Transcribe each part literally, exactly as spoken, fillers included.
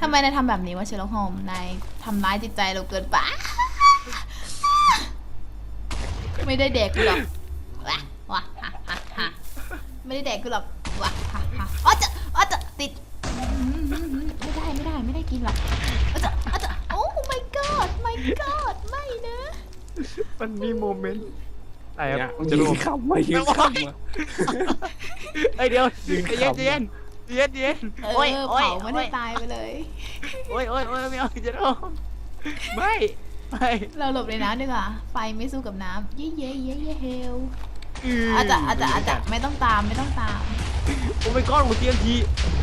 ทำไมนายทำแบบนี้วะเชลล็อกโฮมนายทำร้ายจิตใจเราเกินไปไม่ได้เด็กกูหรอกว้าว้าฮ่าฮ่าฮ่าไม่ได้เด็กกูหรอกว้าฮ่าฮ่าอ๋อจะอ๋อจะติดไม่ได้ไม่ได้ไม่ได้กินหรอกอ๋อจะอ๋อจะโอ้ my god my god ไม่นะมันมีโมเมนต์อะไรครับจะรู้คำว่ายืนคำว่าเอ้ยเดี๋ยวยืนเย็นคำเย็นเย็นเย็นเอโอ้ยอโอ้ยเผามันให้ตายไปเลยโอ้ยโอ้ยโอ้ยไม่เอาจะรู้ไม่ไม่เราหลบในน้ำดีกว่าไฟไม่สู้กับน้ำเย่เย่เย่เย่เฮลอาจจะอาจจะอาจจะไม่ต้องตามไม่ต้องตามโอ้ยก้อนหัวเตียงที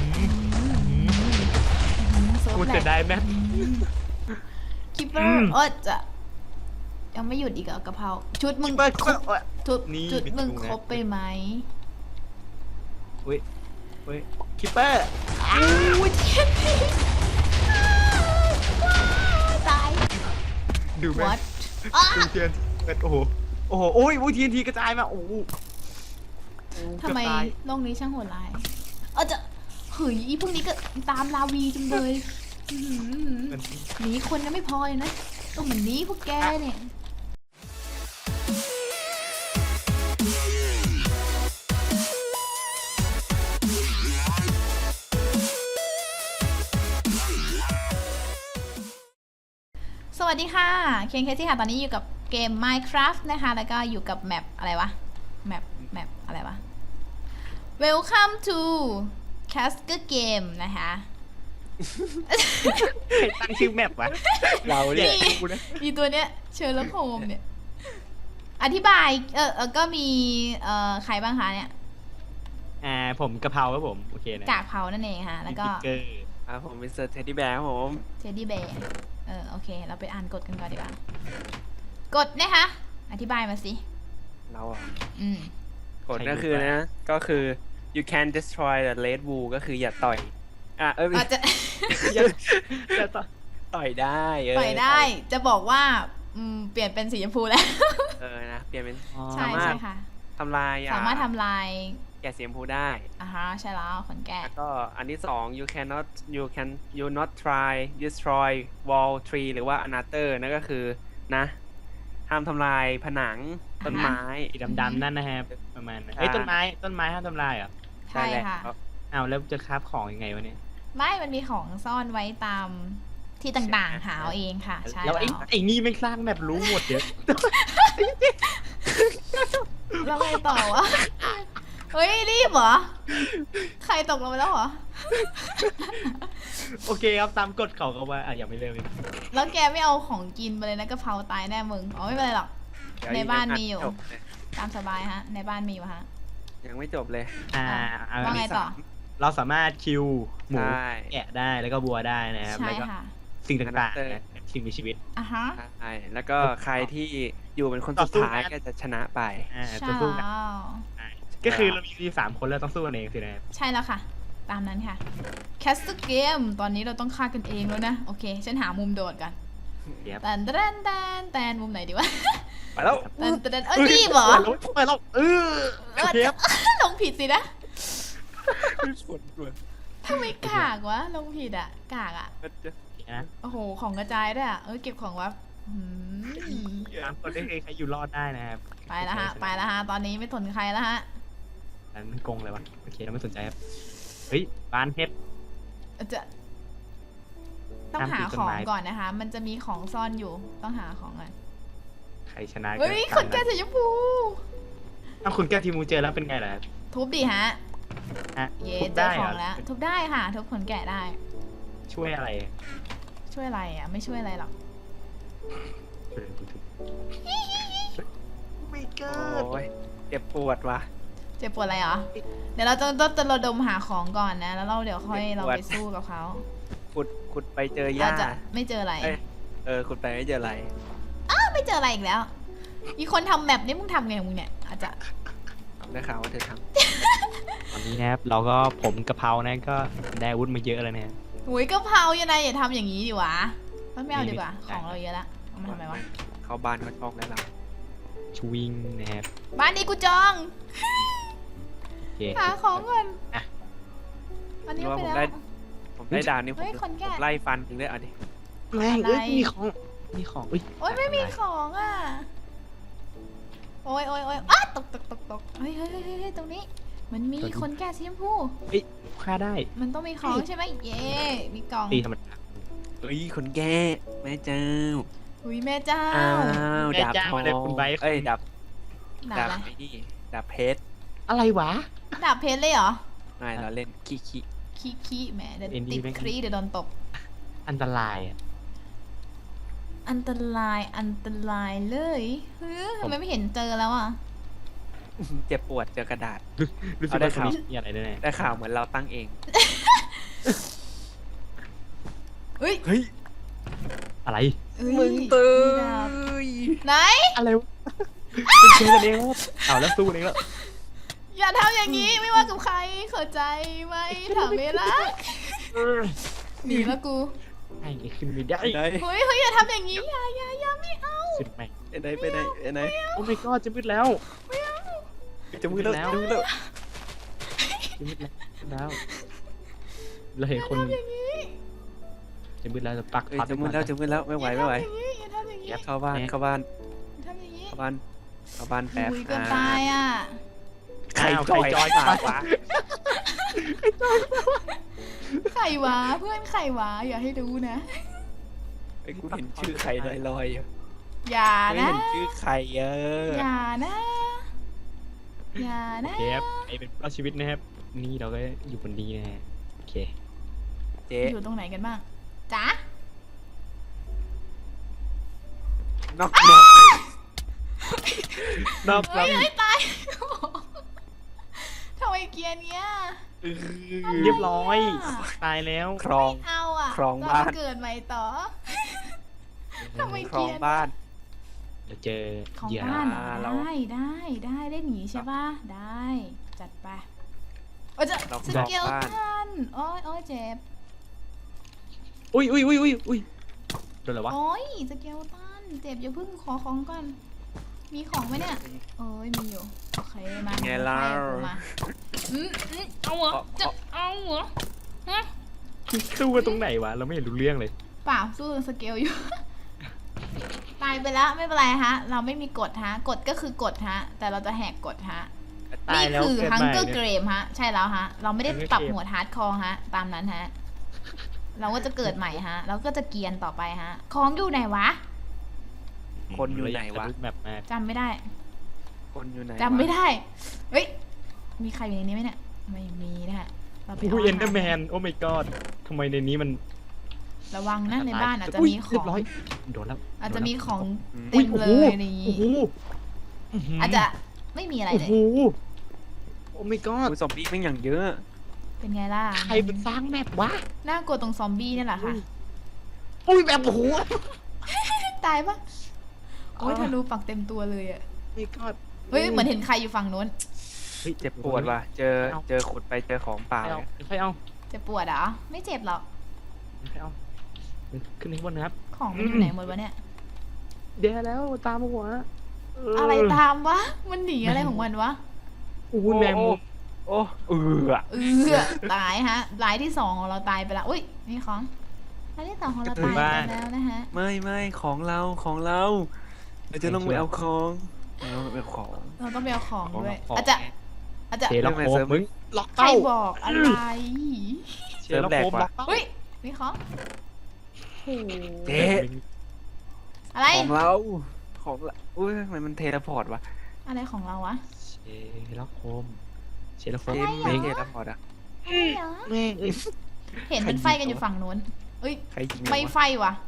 เซิร์ฟกูแหลจะกได้ไหมคิปเปอร์เออจะยังไม่หยุดอีกเหรอกะเพราชุดมึงเปิดครบชุดนี่ชุดมึงเป็นตูนะครบไปไหมอุ้ยอุ้ยคิปเปอร์อู้เทียนทีตายดูไหม what อ้าดูเทียนเป็นโอ้โหโอ้โหโอ้ยโอ้ยทีนทีกระจายมาโอ้โหทำไมโลกนี้ช่างโหดร้ายเออจะเฮ้ยอีพวกนี้ก็ตามลาวีจังเลยอื้อหือหนีคนยังไม่พอเลยนะต้องเหมือนหนี้พวกแกเนี่ยสวัสดีค่ะเคนเคซี่ค่ะตอนนี้อยู่กับเกม Minecraft นะคะแล้วก็อยู่กับแมปอะไรวะแมปแมปอะไรวะ Welcome to Casker Game นะคะใครตั้งชื่อแมปวะเราเนี่ยกูนะมีตัวเนี้ยเชอร์ล็อกโฮมเนี่ยอธิบายเออเออก็มีเอ่อใครบ้างคะเนี่ยอ่าผมกะเพราครับผมโอเคนะกากเผานั่นเองค่ะแล้วก็มีบิ๊เกอร์ครับผมมิสเตอร์เท็ดดี้แบร์ครับผมเจดี้เบย์เออโอเคเราไปอ่านกฎกันก่อนดีกว่ากฎนะคะอธิบายมาสิเราอ่ะอืมกฎก็คือนะ ก็คือ you can destroy the red wool ก็คืออย่าต่อยอ่ะเอออาจจะอย่าอย่าต่อยต่อยได้เออปล่อยได้จะบอกว่าอืมเปลี่ยนเป็นสีชมพูแล้วเออนะเปลี่ยนเป็นใช่สามารถใช่ค่ะทำลายอ่ะสามารถทำลายแกะสีชมพูได้อ่าฮะใช่แล้วขนแกะแล้วก็อันที่สอง you cannot you can you not try destroy wall tree หรือว่า another นั่นก็คือนะห้ามทำลายผนังต้นไม้สีดำๆนั่นนะครับประมาณนั้นเอ้ยต้นไม้ต้นไม้ห้ามทำลายเหรอใช่ค่ะได้แล้วอ้าวแล้วจะคราฟของยังไงวะเนี่ยไม่มันมีของซ่อนไว้ตามที่ต่างๆ หาเอาเองค่ะ ใช่แล้แล้ว วไอ้ไอ้นี่ไม่สร้างแบบรู้หมดเดี๋ยวแล้วไงต่อวะ เฮ้ย รีบเหรอ ใครตกลงไปแล้วเหรอโอเคครับตามกฎเขาก็ว่าอ่ะอย่าไม่เร็วอีกแล้วแกไม่เอาของกินไปเลยนะกะเพราตายแน่มึง อ๋อไม่เป็นไรหรอกเดี๋ยวในบ้านมีอยู่จบเลยตามสบายฮะ ในบ้านมีอยู่ฮะยังไม่จบเลยอ่าเอาว่าไงต่อเราสามารถคิวหมูใช่แกะได้แล้วก็บัวได้นะครับใช่แล้วก็ค่ะสิ่งต่างๆนะสิ่งมีชีวิตอ่ะฮะใช่แล้วก็ใครที่อยู่เป็นคนต่สุอดสู้ท้ายกันก็จะชนะไปอ่าใช่ตัวสู้กันแล้วใช่ก็คือเรามีสามคนแล้วต้องสู้กันเองสินะใช่แล้วค่ะ ตามนั้นค่ะ แคสต์เกม ตอนนี้เราต้องฆ่ากันเองแล้วนะ โอเค ฉันหามุมโดดกันเดี๋ยวแตนแตนแตนแตนมุมไหนดีวะไปแล้วแตนแตนเอ้ยรีบเหรอไปแล้วเออโอเคครับลงผิดสินะปวดปวดทำไมกากวะ ลงผิดอ่ะ กากอ่ะนะโอ้โห ของกระจายด้วยอ่ะ เออเก็บของวับอืมสามคนได้ใครอยู่รอดได้นะครับไปแล้วฮะ ไปแล้วฮะ ตอนนี้ไม่สนใครแล้วฮะอันมันกงเลยวะโอเคเราไม่สนใจครับเฮ้ยบ้านเพชรจะต้องหาของก่อนนะคะ มันจะมีของซ่อนอยู่ ต้องหาของก่อนใครชนะเฮ้ย คนแก่สีชมพูถ้าคุณแก้ทีมูเจอแล้วเป็นไงล่ะทุบดิฮะฮะเย้ทุบเจอได้ขเหรองแล้ว ทุบได้ค่ะ ทุบขนแกะได้ช่วยอะไรช่วยอะไรอ่ะ ไม่ช่วยอะไรหรอกไม่เกิโอ้ยเจ็บปวดว่ะเจ็บปวดอะไรเหรอ เดี๋ยวเราจะต้องจะระดมหาของก่อนนะ แล้วเราเดี๋ยวค่อยเราไปสู้กับเขาขุดขุดไปเจอหญ้าอาจจะไม่เจออะไรเอ้ยเออขุดไปไม่เจออะไรอ้าวไม่เจออะไรอีกแล้ว มีคนทำแมปนี่มึงทำไงของมึงเนี่ย อาจจะได้ข่าวว่าเธอทตอนนี้นะครับเราก็ผมกะเพรานะก็ได้อาวุธมาเยอะแล้วนะหุยกะเพรายังไงอย่าทำอย่างนี้ดิวะไม่เอาดีกว่าไม่ขได้องเราเยอะละเอามาทำไมวะำเข้าบ้านเขาชอกได้แล้วชวิงนะครับบ้านนี้กูจองโอเคหาของก่อนอ่ะอันนี้ว่าไปผมแล้วได้ผมไล่ดาวนี่ผมเฮ้ยคนแก่ผมไล่ฟันถึงได้เอาดิแม่งอะไรเอ้ยมีของมีของอุ้ยโอ๊ยไม่มีของอ่ะ โอ๊ยโอ๊ยโอ๊ยอ้าตกตกตกตกเฮ้ยเฮ้ยเฮ้ยเฮ้ยตรงนี้ มันมีคนแก่สีชมพูเฮ้ยฆ่าได้มันต้องมีของใช่ไหมเย้มีกล่องตีธรรมดาเฮ้ยคนแก่แม่เจ้าอุ้ยแม่เจ้าอ้าวแม่ดาบเจ้าทองเลยคุณไบร์ทเอ้ยดาบดาดาบบ อะไรไอ้นี่ดาบเพชรอะไรวะดาบเพชรเลยเหรอไม่เราเล่นขี้ขี้ขี้ขี้แหมเดี๋ยวเอ็นดีติดแม่งครีเดี๋ยวโดนตบอันตรายอ่ะอันตรายอันตรายเลยเฮ้ยทำไมไม่เห็นเจอแล้วอ่ะเจ็บปวดเจอกระดาษรู้สึกเอาได้ว่าตรงนี้ข่าวมีอะไรแน่ได้ข่าวเหมือนเราตั้งเองเฮ้ยเฮ้ยๆอะไรเอ้ยมึงตื่มีดาบนไหนอะไรวะเป็นเชกันเองแล้วเอาแล้วสู้กันเองแล้วอย่าทำอย่างนี้ไม่ว่ากับใครเข้าใจไหมถามเวลาหนีแล้วกูไอ้ขึ้นไม่ได้ไหนเฮ้ยเฮ้ยอย่าทำอย่างนี้อย่าอย่าอย่าไม่เอาสุดแม่งไปไหนไปไหนไปไหนโอ้ my god จะมืดแล้วจะมือแล้วแล้วจะมือแล้วจะมืดแล้วเราเห็นคนอย่าทำอย่างนี้จะมืดแล้วจะปักเอ้ยพัดจะมือแล้วจะมือแล้วไม่ไหวไม่ไหวอย่าทำอย่างนี้อย่าทำอย่างนี้เข้าบ้านเข้าบ้านอย่าทำอย่างนี้เข้าบ้านเข้าบ้านแป๊บคุยเกินตายอ่ะใครอ้าวจอยใครจอยปากวะไข่หวาเพื่อนไข่หวาอย่าให้รู้นะไอ้กูเห็นชื่อใครลอยลอยๆอยู่อย่าไม่นะเห็นชื่อใครเอออย่านะอย่าโอนะเคครับไอเป็นรอดชีวิตนะครับ นี่เราก็อยู่บนนี้นะฮะโอเคเจ๊อยู่ตรงไหนกันบ้างจ๊ะนอกนอกนอกเฮ้ยเฮ้ยตายทำไมเกียร์เนี้ยเรียบร้อย ตายแล้วครองไม่เอาอ่ะครองเบ้านเกิดใหม่ต่อทำไมครองเกียร์บ้านเดี๋ยวเจอของเหยื่อบ้านเหรอเราได้ได้ได้ได้หนีใช่ป่ะได้จัดไปโอ้ยจะเราสครองเกลบ้านตันโอ้ยโอ้ยเจ็บอุ้ยอุ้ยอุ้ยอุ้ยอุ้ยโดนอะไรวะโอ้ยสเกลตันเจ็บอย่าเพิ่งขอของก่อนมีของไหมเนี่ยเอ้ยมีอยู่โอเคมาไงล่ะให้กูมาอืมอืมเอาเหรอจะเอาเหรอฮะสู้กันตรงไหนวะ เราไม่เห็นรู้เรื่องเลยเปล่าสู้สเกลอยู่ ตายไปแล้วไม่เป็นไรฮะ เราไม่มีกฎฮะกฎก็คือกฎฮะ แต่เราจะแหกกฎฮะตายนี่แล้วคือเกิดฮังใหม่เกอร์เนี่เกยมฮะ ใช่แล้วฮะ เราไม่ได้ Hunger ปรับ Game หมวดฮาร์ดคอร์ฮะ ตามนั้นฮะ เราก็จะเกิดใหม่ฮะ เราก็จะเกรียนต่อไปฮะ ของอยู่ไหนวะคนอยู่ไหนวะแบบ มากจำไม่ได้คนอยู่ไหนจำไม่วะได้ เฮ้ย มีใครอยู่ในนี้ไหมเนี่ย ไม่มีนะฮะ เราไปอุ้ยเอาเอ็นเดอร์แมอาหารโอ้ my god ทำไมในนี้มันระวังนะในบ้านอาจจะยมีขเรีอย งบร้อย โดนแล้วอาจจะมีของอืมเต็มเลยในนี้โอ้โหอาจจะไม่มีอะไรโอ้เลยโหโอ้ my god อุ๊ยซอมบี้แม่งอย่างเยอะเป็นไงล่ะใครเป็นสร้างแมปวะน่ากลัวตรงซอมบี้นี่แหละค่ะอุ้ยแบบโอ้โหตายปะโอ้ยอ๋อธนูปักเต็มตัวเลยอ่ะ my god เฮ้ย เหมือนเห็นใครอยู่ฝั่งนู้นเฮ้ยเจ็บปวดว่ะ เจอเอาเจอขุดไปเจอของเปล่าไม่เอาเนี่ยไม่เอาจะปวดเหรอ ไม่เจ็บหรอกไม่เอาขึ้นข้างบนนะครับของมันอยู่ไหนหมดวะเนี่ยเดี๋ยวแล้วตามมาหัวเอะไรตามวะ มันหนีอะไรของมันวะโอ้โหแมงมุมโอ้เออเออตายฮะรายที่สองของเราตายไปแล้ว อุ้ยนี่ของรายที่สองของเราตายไปแล้วนะฮะไม่ไม่ของเราของเราเราจะต้องไปเอาของเราต้องไปเอาของเราต้องไปเอาของด้วยของอาจจะอาจจะเทล็อกโคมมึงล็อกใครเป้าบอกอะไรเทล็อกโคมล็อกเป้าเฮ้ยนี่ของโอ้โหเจ๊อะไรของเราของเราอุ้ยทำไมมันเทเลพอร์ตวะอะไรของเราวะเชล็อกโคมเชล็อกโคเทมไม่เทเลพอร์ตอะอะไรเหรอแม่งเอ้ยเห็นเป็นไฟกันอยู่ฝั่งนู้นเอ้ยใครยิงไม่ไฟวะ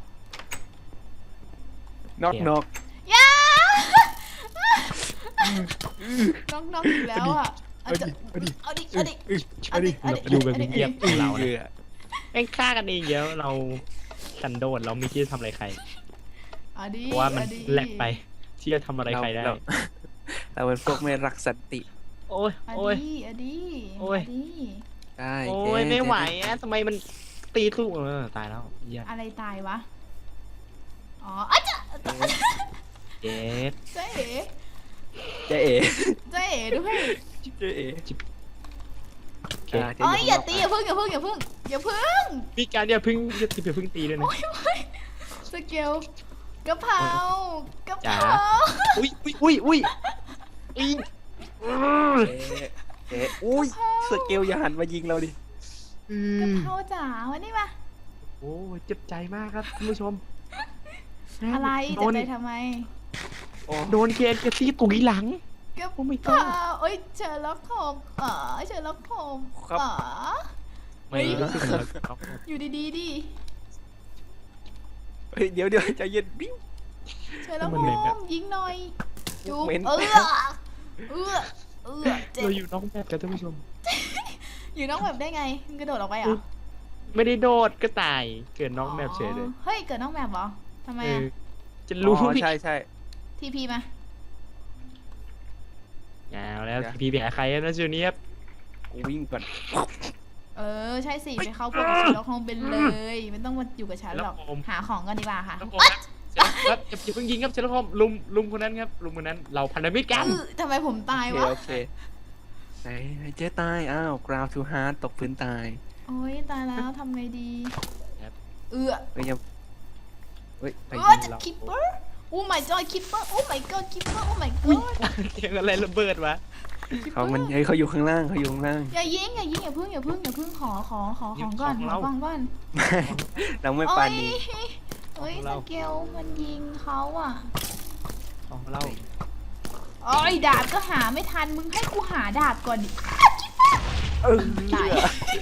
นอกนอกยาน้องน้องอีกแล้วอ่ะเอาจะเอาดิเอาดิเอาดิเอาดิเราอยู่แบบเงียบๆเราเอนะอแม่งฆ่ากันเองเยอะเราสันโดษเราไม่คิดจะทำอะไรใครเอาดิเพราะว่ามันเอดิแหลกไปที่จะทำอะไรใครได้เราเราเป็นพวกไม่รักสันติโอ้ยเอาโอ้ยดิเอาดิโอ้ยเอาดิได้โอ้เจ๊ยไม่ไหวอะทำไมมันตีสู้เออตายแล้วเหี้ยอะไรตายวะอ๋ออาจจะเจ็บเจ๊เอ๋เจ๊เอ๋เจ๊เอ๋ด้วยเจ๊เอ๋โอเคอ่าเจ๊เอ้ยข้งนอย่าตีอย่าพึ่งอย่าพึ่งอย่าพึ่งอย่าพึ่งมีการอย่าเพึ่งอย่าอย่าเพึ่งตีด้วยนะสเกลกะเพรากะเพจ๋าราอุ้ยอุ้ยอุ้ยอุ้ยอุ้ยเจ๊เจ๊อุ้ยสเกลอย่าหันมายิงเราดิอืกะมเพราจ๋าวันนี้มาโอ้เจ็บใจมากครับคุณผู้ชมอะไรโดจะนไปทำไมโอ้โดนเกนเกซี่ตุ๋ยหลังกะโอ้ my เพรา god เอ้ยเชอร์ล็อกโฮมอ๋อเชอร์ล็อกโฮมครับอ๋อไม่รู้สึกเหมือนเขาอยู่ดีๆดิเฮ้ยเดี๋ยวเดี๋ยวใจเย็นบิ้วเชอร์ล็อกโฮมยิงหน่อยจุ๊บเหม็นเออเออเออเจ็บเราอยู่นอกแบบกันท่านผู้ชมอยู่นอกแบบได้ไงมึงกระโดดออกไปเหรอไม่ได้โดดก็ตาย เกิดนอกแบบเฉยเลยอ๋อเฮ้ยเกิดนอกแบบเหรอทำไมเออะอจะรู้อ๋อใช่ใช่ทีพีมาเอาแล้วเดี๋ยวพี่ไปหาใครอะนะจูเนียบกูวิ่งก่อนเออใช่สิไปเข้าพวกเชอร์ล็อกโฮมเป็นเลยไม่ต้องมาอยู่กับฉันหรอกหาของกันดีกว่าค่ะครับผมครับครับอย่าอย่าเพิ่งยิงครับเชลล์คอมลุมลุมคนนั้นครับลุมคนนั้นเราพันธมิตรกันเออทำไมผมตายโอเควะโอเคไหนไหนเจ๊ตายอ้าว ground too hard ตกพื้นตายโอ้ยตายแล้วทำไงดีครับเออเฮ้ยยังเฮ้ยไปเอยิอง จะเราคิปเปอร์โอ้ my god คิปเปอร์โอ้ my god คิปเปอร์โอ้ my อุ้ย god เสียงอะไรระเบิดวะเขามันเฮ้ยเขาอยู่ข้างล่างเขาอยู่ข้างล่างอย่ายิงอย่ายิงอย่าพึ่งอย่าพึ่งอย่าพึ่งขอขอขอของก่อนขอของก่อนเราไม่ปานีเฮ้ยสเกลมันยิงเขาอ่ะของเราโอ้ยดาบก็หาไม่ทันมึงให้กูหาดาบก่อนดิเออตาย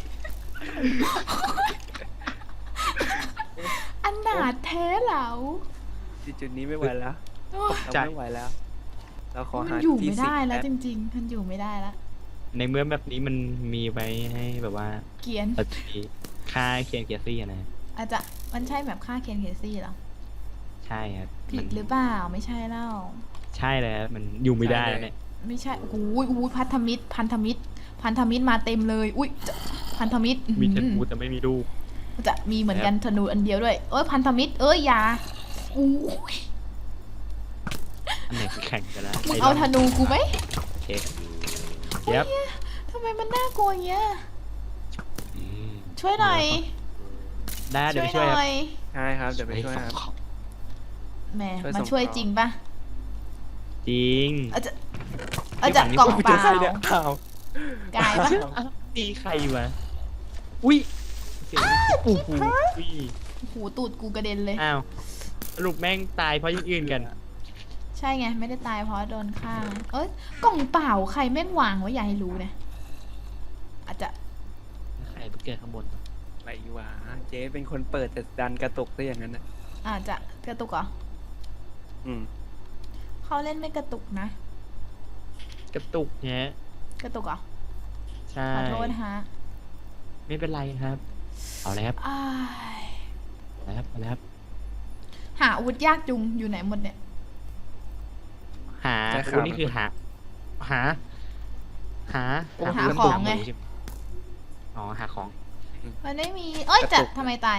อันนาถแท้เหลาจุดนี้ไม่ไหวแล้วโอ้ยเราไม่ไหวแล้ว เราขอมันหาอยู่ที่ไม่สิได้งแล้วป๊บจริงๆมันอยู่ไม่ได้แล้วในเมื่อแบบนี้มันมีไว้ให้แบบว่าเกียนเราจะมีค่าเคียนเกียร์ซี่อะนะอาจจะมันใช่แบบฆ่าเคนเคซี่เหรอใช่ครับผิมัดนหรือเปล่าไม่ใช่เล่าใช่แล้วมันอยู่ไม่ได้แล้วเนี่ยไม่ใช่โอ้ยโอ้ยพันธมิตร พันธมิตร พันธมิตรมาเต็มเลย อุ้ยจะพันธมิตรมีธอื้อนูหือแต่ไม่มีลูกจะมีเหมือนกันธนูอันเดียวด้วย เอ้ยพันธมิตร เอ้ยอยาอู้ยอันไหนแข่งกันแล้วมึงเอาธนูกูไหมโอเคเย็บทำไมมันน่ากลัวอย่างเงี้ยอืมช่วยหน่อยได้เดี๋ยวไปช่ช่ววย ยหคน่รับอยใช่ครับ เดี๋ยวไปช่วยครับแหมช่วยมาส่งช่วยต่อจริงปะจริงอาจจะอาจจะกล่องเปเจอล่าใครเนี่ยอ้าวกายปะตีใครวะอุ้ยเสียงโอ้โหอุ้ยหูตูดกูกระเด็นเลยอ้าวสรุปแม่งตายเพราะอยังอื่นกันใช่ไง ไม่ได้ตายเพราะโดนฆ่า เอ้ยกล่องเปล่าใครแม่งวางไว้อย่าให้รู้นะอาจจะใครไปเกิดข้างบนอะไรวะเจ๊เป็นคนเปิดแต่ดันกระตุกซะอย่างนั้นนะอาจจะกระตุกเหรออืมเขาเล่นไม่กระตุกนะกระตุกเนี้ยกระตุกเหรอใช่ขอโทษฮะไม่เป็นไรครับ เอาเลยครับอ้ายเอาเลยครับเอาเลยครับหาอาวุธยากจุงอยู่ไหนหมดเนี่ยหาใช่ครับวันนี้คือหา หา หาหาของไงใช่หมอ๋อหาของมันไม่มี เอ้ยกระจะตุกทำไมตาย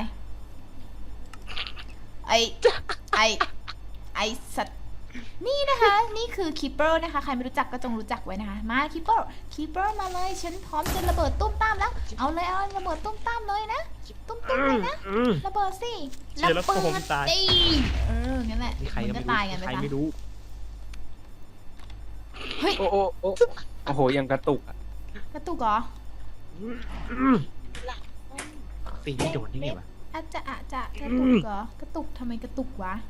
ไอไอไอสัตว์ นี่นะคะ นี่คือคีเปอร์นะคะ ใครไม่รู้จักก็จงรู้จักไว้นะคะ มาคีเปอร์คีเปอร์มาเลย ฉันพร้อมจะระเบิดตุ้มตามแล้ว เอาเลยเอาระเบิดตุ้มตามเลยนะ ตุ้มตุ้มเลยนะ ระเบิดสิเชื่อแล้วระเบิผมดตายดิเออ งั้นแหละมีใครมึก็งไม่ก็รู้ตายกันไปใครซะไม่รู้เฮ้ยโอ้โอ้โอ้โอ้โหยังกระตุกอะกระตุกเหรอตีไม่โดนได้ไงวะอาจจะอาจจะกระตุกเหรอ กระตุกทำไมกระตุกวะ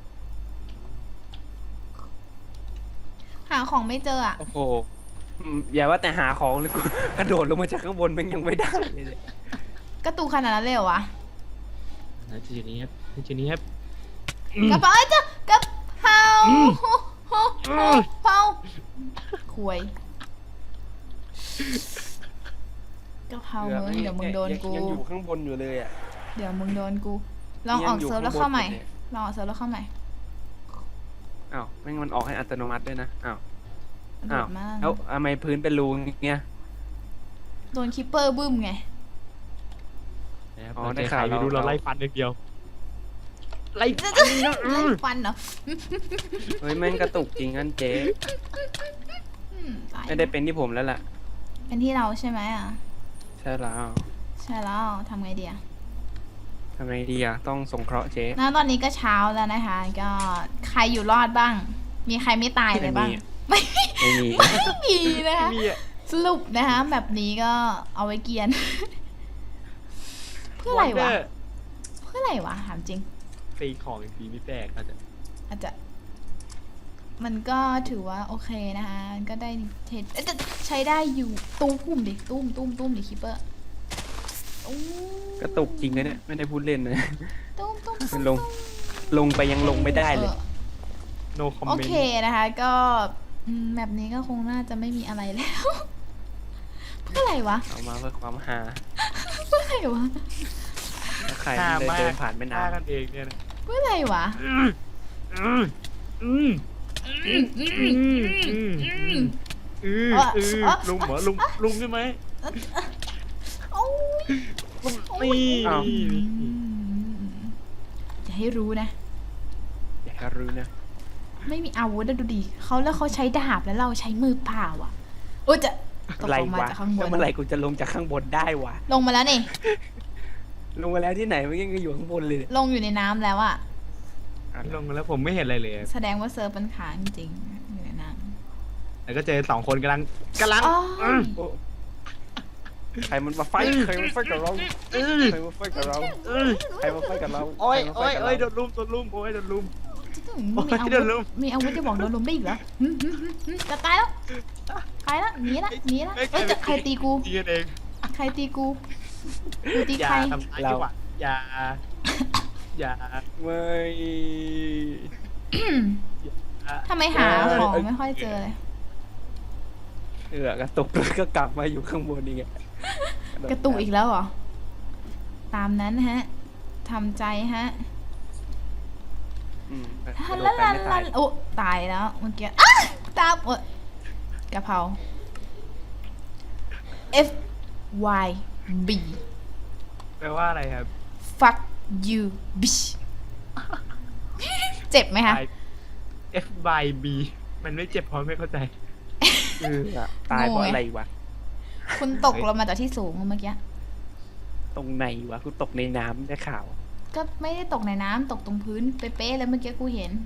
หาของไม่เจออ่ะโอ้โหอืมอย่าว่าแต่หาของเลยกูกระโดดลงมาจากข้างบนมันยังไม่ได้เลยเนี่ยกระตุกขนาดนั้นเลยเหรอวะนะจุดนี้ครับจุดนี้ครับกระเป๋าเอ้ยเจ้ากระเพราอืมโฮโฮโฮเผาควยกระเพรามึงเดี๋ยวมึงโดนกูยังอยู่ข้างบนอยู่เลยอ่ะเดี๋ยวมึงโดนกู ลองออกยังอยู่เซิร์ฟแล้วข้างบนเข้าใหม่อยู่เนี่ยลองออกเซิร์ฟแล้วเข้าใหม่อ้าวแม่งมันออกให้อัตโนมัติด้วยนะอ้าวโดอ้าวดมากแล้วทำไมพื้นเป็นรูอย่างเงี้ยโดนคิปเปอร์บึ้มไงนะครับอ๋อเราได้เจอใคข่าร วไม่รู้เราเราไล่ฟันอย่างเดียว ไล่จะฟัจะนนะเล่นฟันเหรอเฮ้ยแม่งกระตุกจริงอันเจ๊อืมตายไม่ได้เป็นที่ผมแล้วล่ะเป็นที่เราใช่ไหมอ่ะใช่แล้วใช่แล้วทำไงดีอะทำไงดีอ่ะ ต้องสงเคราะห์เจ๊นะตอนนี้ก็เช้าแล้วนะคะ ก็ใครอยู่รอดบ้าง มีใครไม่ตายเลยบ้าง ไม่ไม่มีไม่มีนะคะมีอะสรุปนะคะแบบนี้ก็เอาไว้เกรียน เพื่ออะไรวะ Wonder เพื่ออะไรวะถามจริงตีของอีกทีไม่แตกอาจจะอาจจะ มันก็ถือว่าโอเคนะคะมันก็ได้เทรดเอ๊ะแต่ใช้ได้อยู่ตุ้มดิตุ้มตุ้มตุ้มดิคิปเปอร์ตุ้มกระตุกจริงนะเนี่ย ไม่ได้พูดเล่นนะตุ้มตุ้มมันลง ลงไปยังลงไม่ได้เลยออ no โอ comment เคนะคะ ก็อืมแบบนี้ก็คงน่าจะไม่มีอะไรแล้ว เพื่ออะไรวะเอามาเพื่อความฮาเพื่ออะไรวะถ้าใครฆ่าเดินมากเดินผ่านไม่นาฆ่าน กันเองเนี่ยนะเพื่ออะไรวะอืมอืมอืมอืมอืมอืมอืมอืมลุงเหรอลุงลุงใช่ไหมโอ้ยนี่อ้าวอืมจะให้รู้นะอยากจะรู้นะไม่มีอาวุธอะดูดิเขาแล้วเขาใช้ดาบแล้วเราใช้มือเปล่าอ่ะโอ้ยจะตกอะไรลงมาวะจากข้างบแล้วนเมื่อไหร่กูจะลงจากข้างบนได้วะลงมาแล้วนี่ลงมาแล้วที่ไหนมันยังอยู่ข้างบนเลยเนี่ยลงอยู่ในน้ำแล้วอะลงมาแล้วผมไม่เห็นอะไรเลยแสดงว่าเซิร์ฟมันค้างจริงๆอยู่ในน้แล้วก็เจอสองคนกำลังกำลังำอ๋ออืมโอ้ใครมันมาไฟท์ใครมันไฟท์กับเราเออใครมาไฟท์กับเราเออใครมาไฟท์กับเราโอ้ยใครมาไฟโอ้ยท์กับโอ้ยโดเรานลุมโดนลุมโอ้ยโดนลุมมีอาโอ้ยโดนลุวุธมมีอาวุธจะบอกโดนลุมได้อีกเหรอหึหึหึหึจะตายแล้วตายแล้วหนีละหนีละเอ้ยจะใครตีกูตีกันเองใครตีกูกูตีอย่าใครทำร้ายจังหวะอย่าอย่าไม่ทำไมหาของไม่ค่อยเจอเลยเออกระตุกแล้วก็กลับมาอยู่ข้างบนนี่ไงกระตุกอีกแล้วเหรอ ตามนั้นฮะทำใจฮะอืมกทัระนโดละดไปลันไม่ลัตายนโอ้ตายแล้วเมื่อกี้อ้าตามโอ้ยกะเพรา F Y B แปลว่าอะไรครับ fuck you bitch เจ็บไหมคะ F by B มันไม่เจ็บเพราะไม่เข้าใจเอออะตายเพราะอะไรวะคุณตกลงมาจากที่สูงเมื่อกี้ตรงไหนวะกูตกในน้ำได้ข่าวก็ไม่ได้ตกในน้ำตกตรงพื้นเป๊ะๆเลยเมื่อกี้กูเห็น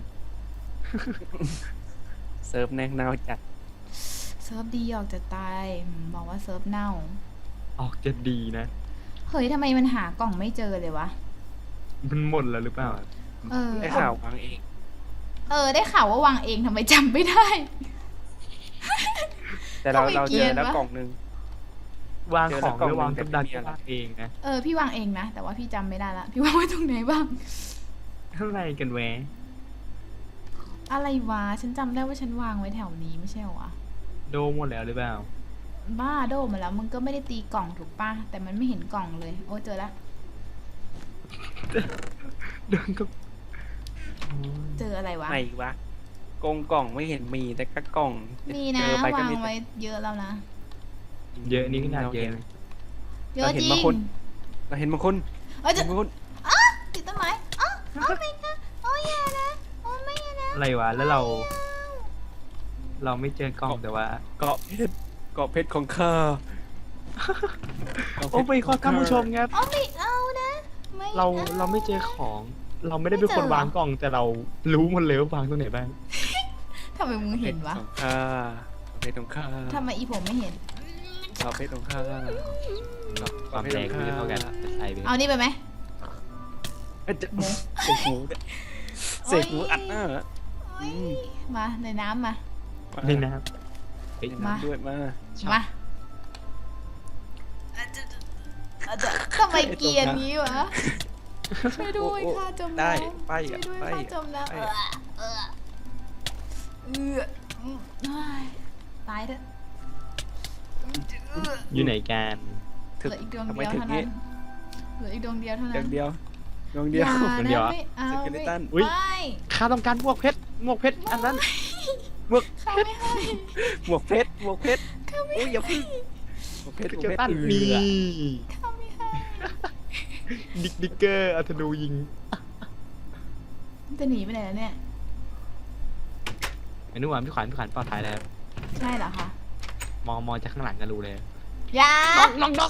เซิร์ฟแนงเนาจัดเซิร์ฟดีออกจะตายอืมบอกว่าเซิร์ฟเน่าออกจะดีนะเฮ้ยทำไมมันหากล่องไม่เจอเลยวะมันหมดแล้วหรือเปล่าเออได้ข่าววางเองเออ ได้ข่าวว่าวางเองทำไมจำไม่ได้แต่เราทำไมเราเกรีเจยอน แล้ววะกล่องหนึงวางของเจอแล้วหรือวางกล่องกำดักหนึ่งวางเองนะเออพี่วางเองนะ แต่ว่าพี่จำไม่ได้ละ พี่วางไว้ตรงไหนบ้างเท่าไรกันแวะอะไรวะ ฉันจำได้ว่าฉันวางไว้แถวนี้ไม่ใช่เหรอวะโดหมดแล้วหรือเปล่าบ้าโดมาแล้วมึงก็ไม่ได้ตีกล่องถูกป่ะ แต่มันไม่เห็นกล่องเลย โอ้เจอแล้วโดนก็เจออะไรวะไหนวะกงกล่องไม่เห็นมีแต่ก็กล่องมีนะเจอไปก็วางมีแต่ไว้เยอะแล้วนะเยอะนี่ขนาดเยอะนะเยอะจริงเราเห็นบางคนเอ้ยเห็จะนบางคนติดต้นไม้อ๋อโอ้ไม่นะโอ้ยานะโอ้ไม่นะอะไรวะ แล้วเรา เราไม่เจอกล้องแต่ว่าเกาะเพชรเกาะเพชรของข้าโอ้ไปขอท่านผู้ชมครับโอ้ไม่เอานะไม่เราอเราไม่เจอของ เราไม่ได้เป็นคนวางกล่อง แต่เรารู้หมดเลยว่าวางตรงไหนบ้างทำไมมึงเห็นวะของข้าเกาะเพชรของข้าทำไมอีผมไม่เห็นเกาะเพชรของข้าความแรงไม่เท่ากันจะใส่ไปเอานี่ไปไหมเอ้ยจะเสกหมูเสกหมูอัดหน้าเหรอโอ้ยมาในน้ำมานี่นะครับเฮ้ยในน้ำด้วยมามาอาจจะอาจจะทำไมเกรียนงี้วะ ช่วยด้วยค่ะจมน้ำได้ไปช่วยอ่ะด้วยไปค่ะจมน้ำไปเออเออเอออืมเฮ้ยตายเถอะเอออยู่ไหนกันเหลืออีกดวงทำไมเดียวถึงเท่านี้นั้นเหลืออีกดวงเดียวเท่าดนั้วน งเดียวดวงเดียวอย่าคนเดียวนะอะไม่เอาสเกเลตันอุ๊ยไม่ข้าต้องการหมวกเพชรหมวกเพชรอันนั้นหมวกข้าไม่ให้หมวกเพชรหมวกเพชรข้าไม่โอ้ยอย่าให้พึ่งหมวกเพชรหมวกเจอเพชรตันเอนี่อข้าไม่ให้ดิกดิกเกอร์อัธนูยิงจะหนีไปไหนแล้วเนี่ยไอ้นุ่มพี่ขวัญพี่ขวัญปลอดภัยแล้วใช่เหรอคะมองมองจากข้างหลังก็รู้เลยอย่าน้องน้อง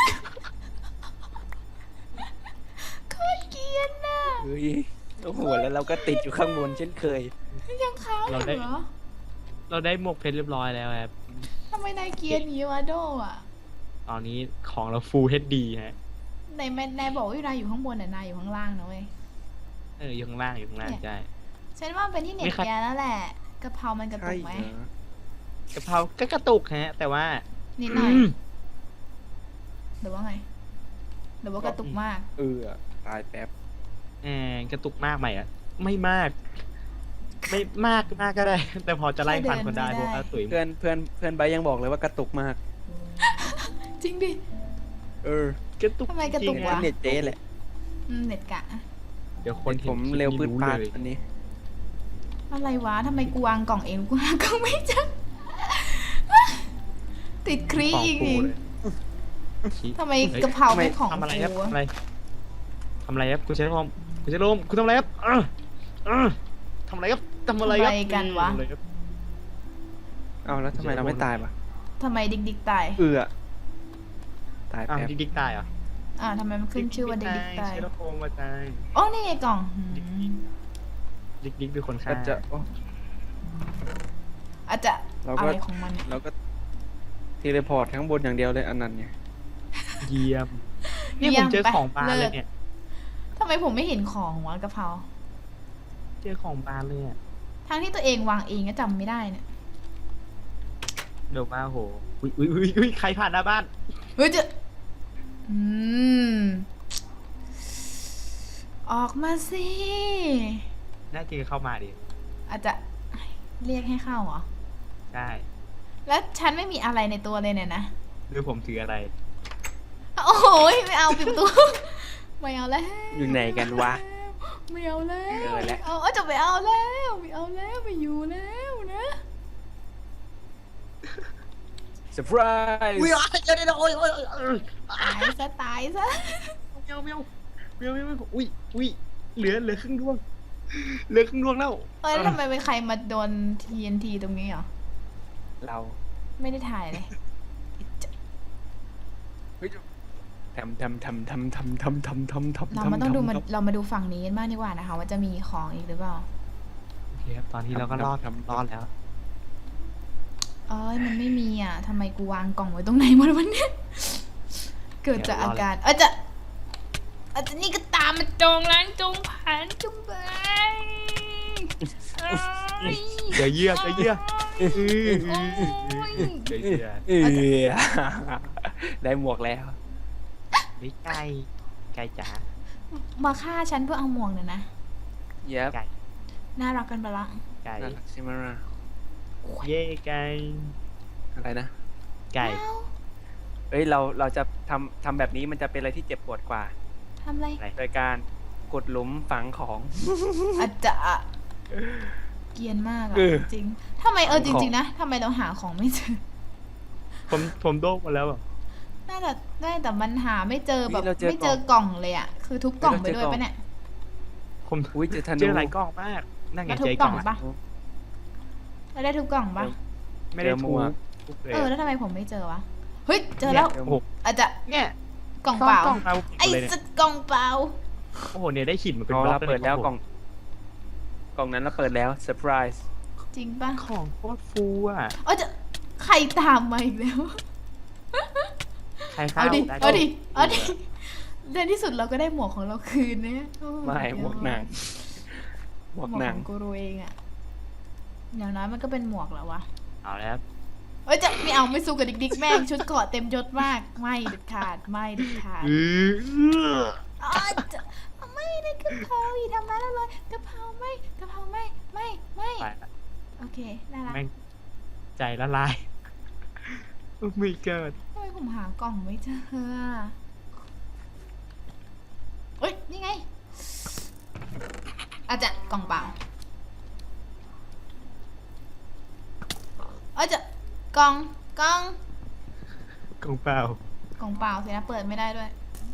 โคตรเกรียนน่ะเฮ้ยโอ้โหแล้วเราก็ติดอยู่ข้างบนเช่นเคยยังค้างอยู่เหรอเราได้หมวกเพชรเรียบร้อยแล้วครับทำไมนายเกรียนอย่างนี้วะโดอ่ะตอนนี้ของเรา Full เอช ดี ฮะนายนายบอกว่านายอยู่ข้างบนแต่นายอยู่ข้างล่างนะเว้ยเอออยู่ข้างล่างอยู่ข้างล่างใช่ฉันว่าเป็นที่เน็ตไม่ครับแกแล้วแหละกะเพรามันกระตุกไหมกะเพราก็กระตุกฮะ แต่ว่านิดหน่อยอืมหรือว่าไงหรือว่ากระตุกมากเออตายแป๊บแอบกระตุกมากไหมอ่ะ ไม่มาก ไม่มากมากก็ได้ แต่พอจะไล่ฟันคนได้เพราะว่าตุ๋ยเพื่อนเพื่อนเพื่อนใบร์ทยังบอกเลยว่ากระตุกมากจริงดิเออกระตุกทำไมกระตุกจงๆวะฮเน็ตเจ๊แหละอืมเน็ตกะเดี๋ยวคนเห็นผมคลิปเร็วนี้ปืดปาดเลยอันนี้อะไรวะทำไมกูวางกล่องเองกูหากล่องไม่เจอติดครีของอีกกูอีกเลยชี้ทำไมกะเพราไม่ของทำอะไรครับกูทำวะอะไรทำอะไรครับคุณเชลมคุณเชลมคุณทำอะไรครับเออเออทำอะไรครับทำอะไรครับทำอะไรกันวะทำอะไรครับเอาแล้วทำไมเราไม่ตายปะทำไมดิกดิกตายเอือตายอ้าวแป๊บดิ๊กดิ๊กตายเหรออ่าทำไมมันขึ้นชื่อว่าดิกดิกตายเชลโคมมาตายโอ้นี่ไงกล่องหืมดิ๊กดิ๊กเป็นคนฆ่าก็จะโอ้อาจจะเราก็อะไรของมันเนี่ยเราก็เทเลพอร์ตข้างบนอย่างเดียวเลยอันนั้นไงเยี่ยมเนี่ยผมเจอของบานเลยเนี่ยทำไมผมไม่เห็นของวะกะเพราเจอของบานเลยอ่ะทั้งที่ตัวเองวางเองก็จำไม่ได้เนี่ยเดี๋ยวมาโหอุ้ยอุ้ยอุ้ยอุ้ยใครผ่านหน้าบ้านเฮ้ยจะอืมออกมาสิน่าจะเข้ามาดิอาจจะเรียกให้เข้าเหรอใช่แล้วฉันไม่มีอะไรในตัวเลยเนี่ยนะหรือผมถืออะไรโอ้โหไม่เอาปิดประตู ไม่เอาแล้วอยู่ไหนกันวะไม่เอาแล้วเออแล้วเอาเอาจะไปเอาแล้วไม่เอาแล้วไม่อยู่แล้วนะเซอร์ไพรส์อุ้ยเดี๋ยวเดี๋ยวโอ้ยโอ้ยโอ้ยตายซะตายซะเมียวเมียวเมียวเมียวเมียวอุ้ยอุ้ยเหลือเหลือครึ่งดวงเหลือครึ่งดวงแล้วเอ้ยแล้วทำไมเป็นใครมาโดน ที เอ็น ที ตรงนี้เหรอเราไม่ได้ถ่ายเลยเฮ้ยทำทำทำทำทำทำทำทำทำเรามาต้องดูมันเรามาดูฝั่งนี้กันบ้างดีกว่านะคะ ว่าจะมีของอีกหรือเปล่าโอเคครับตอนนี้เราก็รอดรอดแล้วเอ้ยมันไม่มีอ่ะทำไมกูวางกล่องไว้ตรงไหนหมดวันนี้ เกิดจากอาการเออจะอาจจะนี่ก็ตามมาจองล้างจงผ่านจงไปเอ้ยเดี๋ยวเยื่อเดี๋ยวเยื่อโอ้ยเดี๋ยวเยื่อเออได้หมวกแล้วไม่ไก่ไก่จ๋ามาฆ่าฉันเพื่อเอาหมวกเนี่ยนะเย็บไก่น่ารักกันไปละไก่น่ารักใช่ไหมล่ะเย่ไก่อะไรนะไก่ว้าวเอ้ยเราเราจะทำทำแบบนี้มันจะเป็นอะไรที่เจ็บปวดกว่าทำอะไรอะไรโดยการกดหลุมฝังของอาจจะเกรียนมากอะเออจริงทำไมเออขจองริงๆนะทำไมเราหาของไม่เจอผมผมโดกมาแล้วอ่ะน่าจะได้แต่มันหาไม่เจอแบบเฮ้ยเราเจอไม่เจอกล่องเลยอ่ะ คือทุบกล่องไปด้วยปะเนี่ยผมอุ้ยเจอธนูเจอหลายกล้องมากนั่นไงแล้วทุเจบอก กล่ล้ออง งปะแล้วได้ทุบกล่องปะไม่ได้เจอหมทูวกทุกเลยเออแล้วทำไมผมไม่เจอวะเฮ้ยเจอแล้วโอ้โหอาจจะเนี่ยกล่องเปล่ากล้องเราไอ้เลยเนี่ยสัตว์กล่องเปล่าโอ้โหเนี่ยได้หินมาเป็นอ๋อบล็อเรากเปิดแล้วกล่ออง กล่องนั้นเราเปิดแล้วเซอร์ไพรส์จริงปะของโคตรฟูอ่ะเออจะใครตามมาอีกแล้วใครเข้าเอาดิได้เอาดิเอาดิในที่สุดเราก็ได้หมวกของเราคืนเนี่ยโอ้ไม่หมวกหนังหมหมววกกหนัขงองกูรูเองอะอย่างน้อยมันก็เป็นหมวกแล้ววะเอาแล้วเอ้ยจะไม่เอาไม่สู้กับดิกดิกแม่งชุดเกราะเต็มยศมากไม่เด็ดขาดไม่เด็ดขาดอืออ๋อจะไม่ได้กะเพราอย่าทำร้ายเราเลยกะเพราไม่กะเพราไม่ไม่ไม่ไปละโอเคน่ารักแม่งใจละลายไม่เกิดทำไมผมหากล่องไม่เจออะเอ้ยนี่ไงอาจจะกล่องเปล่าอาจจะกล่องกล่องกองเปล่ากล่องเปล่าสินะเปิดไม่ได้ด้วย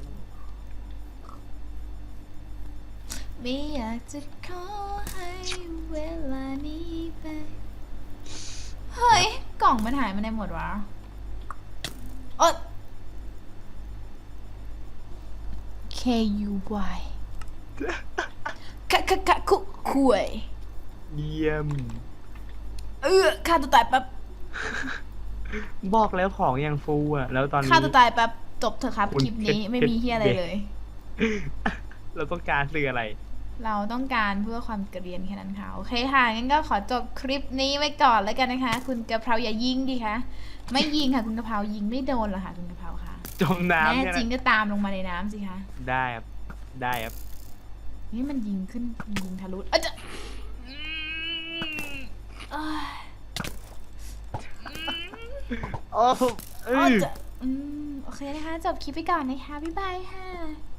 ไม่อยากจะขอให้เวลานี้ไปเฮ้ยกล่องมันหายมาในหมดวะโอ๊ย K U Y กะกะกะคุคุยเยี่ยมเออฆ่าตัวตายแป๊บบอกแล้วของยังฟูอ่ะ แล้วตอนนี้ฆ่าตัวตายแป๊บจบเถอะครับคุณคลิปนี้เพชรไม่มีเฮียอะไรเพชรเลยเราต้องการสื่ออะไรเราต้องการเพื่อความเกรียนแค่นั้นค่ะ โอเคค่ะ งั้นก็ขอจบคลิปนี้ไว้ก่อนแล้วกันนะคะ คุณกะเพราอย่ายิงดิคะไม่ยิงค่ะ คุณกะเพรายิงไม่โดนหรอกค่ะ คุณกะเพราค่ะจมน้ำแน่ใช่ไหจมริงก็ตามลงมาในน้ำสิคะได้ครับ ได้ครับนี่มันยิงขึ้นยิงทะลุเอ้ยจะเอ้ยโอ้เออ๋ออจะอืมโอเคนะคะ จบคลิปไปก่อนนะคะ บ๊ายบายค่ะ